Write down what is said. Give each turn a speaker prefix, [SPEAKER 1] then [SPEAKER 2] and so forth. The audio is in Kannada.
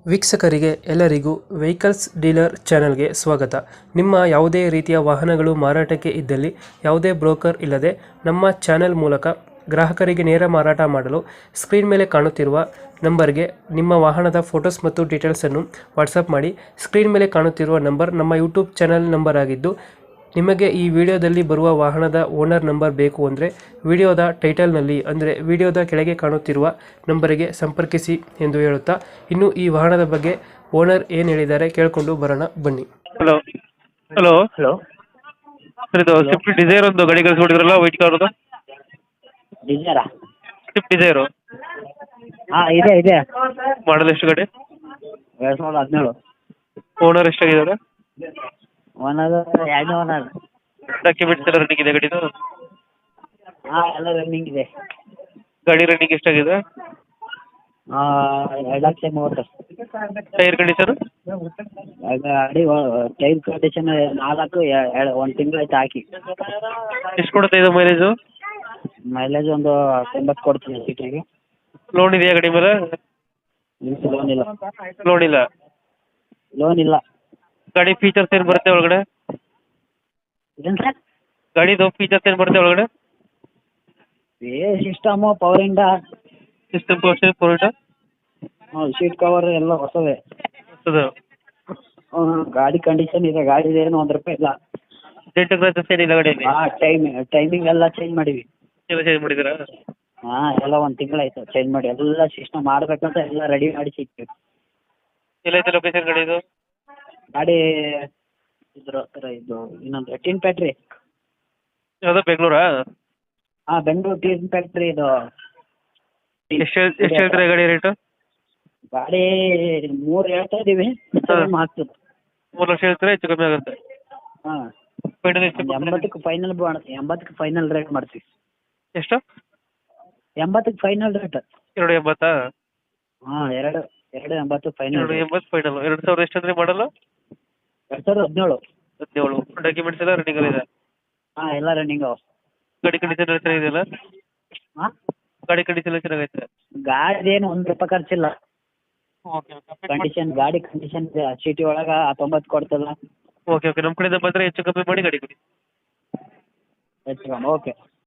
[SPEAKER 1] ವೀಕ್ಷಕರಿಗೆ ಎಲ್ಲರಿಗೂ ವೆಹಿಕಲ್ಸ್ ಡೀಲರ್ ಚಾನೆಲ್ಗೆ ಸ್ವಾಗತ. ನಿಮ್ಮ ಯಾವುದೇ ರೀತಿಯ ವಾಹನಗಳು ಮಾರಾಟಕ್ಕೆ ಇದ್ದಲ್ಲಿ ಯಾವುದೇ ಬ್ರೋಕರ್ ಇಲ್ಲದೆ ನಮ್ಮ ಚಾನೆಲ್ ಮೂಲಕ ಗ್ರಾಹಕರಿಗೆ ನೇರ ಮಾರಾಟ ಮಾಡಲು ಸ್ಕ್ರೀನ್ ಮೇಲೆ ಕಾಣುತ್ತಿರುವ ನಂಬರ್ಗೆ ನಿಮ್ಮ ವಾಹನದ ಫೋಟೋಸ್ ಮತ್ತು ಡೀಟೇಲ್ಸನ್ನು ವಾಟ್ಸಪ್ ಮಾಡಿ. ಸ್ಕ್ರೀನ್ ಮೇಲೆ ಕಾಣುತ್ತಿರುವ ನಂಬರ್ ನಮ್ಮ ಯೂಟ್ಯೂಬ್ ಚಾನೆಲ್ ನಂಬರ್ ಆಗಿದ್ದು, ನಿಮಗೆ ಈ ವಿಡಿಯೋದಲ್ಲಿ ಬರುವ ವಾಹನದ ಓನರ್ ನಂಬರ್ ಬೇಕು ಅಂದರೆ ವಿಡಿಯೋದ ಟೈಟಲ್ನಲ್ಲಿ ಅಂದರೆ ವಿಡಿಯೋದ ಕೆಳಗೆ ಕಾಣುತ್ತಿರುವ ನಂಬರಿಗೆ ಸಂಪರ್ಕಿಸಿ ಎಂದು ಹೇಳುತ್ತಾ, ಇನ್ನು ಈ ವಾಹನದ ಬಗ್ಗೆ ಓನರ್ ಏನು ಹೇಳಿದ್ದಾರೆ ಕೇಳಿಕೊಂಡು ಬರೋಣ ಬನ್ನಿ. ಹಲೋ ಹಲೋ
[SPEAKER 2] ಹಲೋ
[SPEAKER 1] ಸರ್, ಇದು
[SPEAKER 2] ಹಲೋ
[SPEAKER 1] ಸ್ವಿಫ್ಟ್ ಡಿಸೈರ್ ಒಂದು ಗಾಡಿ ಕಳಿಸ್ಕೊಟ್ಟಿದ್ರಲ್ಲ, ವೈಟ್ ಕಲರ್ದು
[SPEAKER 2] ಡಿಸೈರಾ?
[SPEAKER 1] Swift Dzire.
[SPEAKER 2] ಹಾಂ ಇದೆ ಇದೆ.
[SPEAKER 1] ಮಾಡಲ್ ಎಷ್ಟು ಗಾಡಿ?
[SPEAKER 2] 2017.
[SPEAKER 1] ಓನರ್ ಎಷ್ಟಾಗಿದ್ದಾರೆ?
[SPEAKER 2] ಓನರ್ ಎರಡನೇ ಓನರ್.
[SPEAKER 1] ಡಾಕ್ಯುಮೆಂಟ್ಸ್ ಎಲ್ಲ ರನ್ನಿಂಗ್ ಇದೆ ಗಾಡಿದು?
[SPEAKER 2] ಹಾಂ ಎಲ್ಲ ರನ್ನಿಂಗ್ ಇದೆ.
[SPEAKER 1] ಗಾಡಿ ರನ್ನಿಂಗ್ ಎಷ್ಟಾಗಿದೆ?
[SPEAKER 2] 2,30,000.
[SPEAKER 1] Tyre condition?
[SPEAKER 2] ಗಾಡಿ ಟೈರ್ ಕಂಡೀಷನ್ 1 ತಿಂಗಳಾಯ್ತು ಹಾಕಿ.
[SPEAKER 1] ಎಷ್ಟು ಕೊಡುತ್ತೆ ಇದು ಮೈಲೇಜು?
[SPEAKER 2] ಮೈಲೇಜ್ ಒಂದು 90 ಕೊಡ್ತೀನಿ ಸೀಟಿಗೆ.
[SPEAKER 1] ಲೋನ್ ಇದೆಯಾ ಗಾಡಿ ಮೇಲೆ?
[SPEAKER 2] ಲೋನ್ ಇಲ್ಲ.
[SPEAKER 1] ಲೋನ್ ಇಲ್ಲ.
[SPEAKER 2] ಲೋನ್ ಇಲ್ಲ.
[SPEAKER 1] ಗಾಡಿ ಫೀಚರ್ಸ್ ಏನು ಬರುತ್ತೆ ಒಳಗಡೆ?
[SPEAKER 2] ಏನು ಸರ್?
[SPEAKER 1] ಗಾಡಿದು ಫೀಚರ್ಸ್ ಏನು ಬರುತ್ತೆ ಒಳಗಡೆ?
[SPEAKER 2] ಸಿಸ್ಟಮು, ಪವರ್ ಇಂಡ,
[SPEAKER 1] ಸಿಸ್ಟಮ್ ಪೋರ್ಟ್,
[SPEAKER 2] ಸೀಟ್ ಕವರ್ ಎಲ್ಲ ಹೊಸವೇ. ಗಾಡಿ ಕಂಡೀಷನ್ ಇದೆ. ಗಾಡಿ ಏನು ₹1 ಇಲ್ಲ.
[SPEAKER 1] ಡೆಂಟ್ ಕ್ರಾಚಸ್ ಏನಿಲ್ಲ ಗಾಡಿಯಲ್ಲಿ?
[SPEAKER 2] ಟೈಮಿಂಗ್ ಎಲ್ಲ ಚೇಂಜ್ ಮಾಡೀವಿ.
[SPEAKER 1] ಎಲ್ಲ ಚೇಂಜ್ ಮಾಡಿದ್ದೀರಾ?
[SPEAKER 2] ಹಾಂ ಎಲ್ಲ 1 ತಿಂಗಳಾಯ್ತು ಚೇಂಜ್ ಮಾಡಿ. ಎಲ್ಲ ಸಿಸ್ಟಮ್ ಮಾಡಬೇಕಂತ ಎಲ್ಲ ರೆಡಿ ಮಾಡಿ ಸಿಗ್ತೀವಿ.
[SPEAKER 1] ಎಲ್ಲೈತೆ ಲೊಕೇಶನ್ ಗಾಡಿ ಇದು?
[SPEAKER 2] ಗಾಡಿ ಇದ್ರ ಹತ್ರ ಇದು ಇನ್ನೊಂದು ಟೀನ್ ಫ್ಯಾಕ್ಟ್ರಿ.
[SPEAKER 1] ಯಾವುದು, ಬೆಂಗಳೂರಾ?
[SPEAKER 2] ಹಾಂ ಬೆಂಗಳೂರು ಟೀನ್ ಫ್ಯಾಕ್ಟ್ರಿ ಇದು.
[SPEAKER 1] ಎಷ್ಟು ಹೇಳ್ತೀರಾ ಗಾಡಿ ರೇಟು?
[SPEAKER 2] ಗಾಡಿ 3 ಹೇಳ್ತಾ ಇದ್ದೀವಿ, ಆಗ್ತದೆ.
[SPEAKER 1] 3 ಲಕ್ಷ ಹೇಳ್ತೀರಾ? ಹೆಚ್ಚು ಕಮ್ಮಿ ಆಗುತ್ತೆ?
[SPEAKER 2] ಹಾಂ
[SPEAKER 1] ಫೈನಲ್ ಎಷ್ಟು?
[SPEAKER 2] 80ಕ್ಕೆ ಫೈನಲ್ 80ಕ್ಕೆ ಫೈನಲ್ ರೇಟ್ ಮಾಡ್ತೀವಿ.
[SPEAKER 1] ಎಷ್ಟು?
[SPEAKER 2] 80ಕ್ಕೆ ಫೈನಲ್ ರೇಟ್.
[SPEAKER 1] 280?
[SPEAKER 2] ಹಾಂ 280 ಫೈನಲ್.
[SPEAKER 1] 280 ಫೈನಲ್. 2000 ಎಷ್ಟು ಅಂದರೆ ಮಾಡಲ್ಲ?
[SPEAKER 2] 2017.
[SPEAKER 1] 17. ಡಾಕ್ಯುಮೆಂಟ್ಸ್ ಎಲ್ಲ ರನ್ನಿಂಗ್ ಇದೆ?
[SPEAKER 2] ಹಾಂ ಎಲ್ಲ ರನ್ನಿಂಗ್ ಅವ.
[SPEAKER 1] ಗಾಡಿ ಕಂಡೀಷನ್ ಎಲ್ಲ ಚೆನ್ನಾಗಿದೆಯಲ್ಲ?
[SPEAKER 2] ಹಾಂ
[SPEAKER 1] ಗಾಡಿ ಕಂಡೀಷನ್ ಎಲ್ಲ ಚೆನ್ನಾಗೈತೆ?
[SPEAKER 2] ಗಾಡಿ ಏನು ₹1 ಖರ್ಚಿಲ್ಲ.
[SPEAKER 1] ಓಕೆ
[SPEAKER 2] ಗಾಡಿ ಕಂಡೀಷನ್ ಸಿಟಿ ಒಳಗೆ 90 ಕೊಡ್ತಲ್ಲ.
[SPEAKER 1] ಓಕೆ ನಮ್ಮ ಕಡೆಯಿಂದ ಬಂದರೆ ಹೆಚ್ಚು ಕಮ್ಮಿ ಮಾಡಿ ಗಾಡಿ ಕೊಡಿ.
[SPEAKER 2] ಓಕೆ.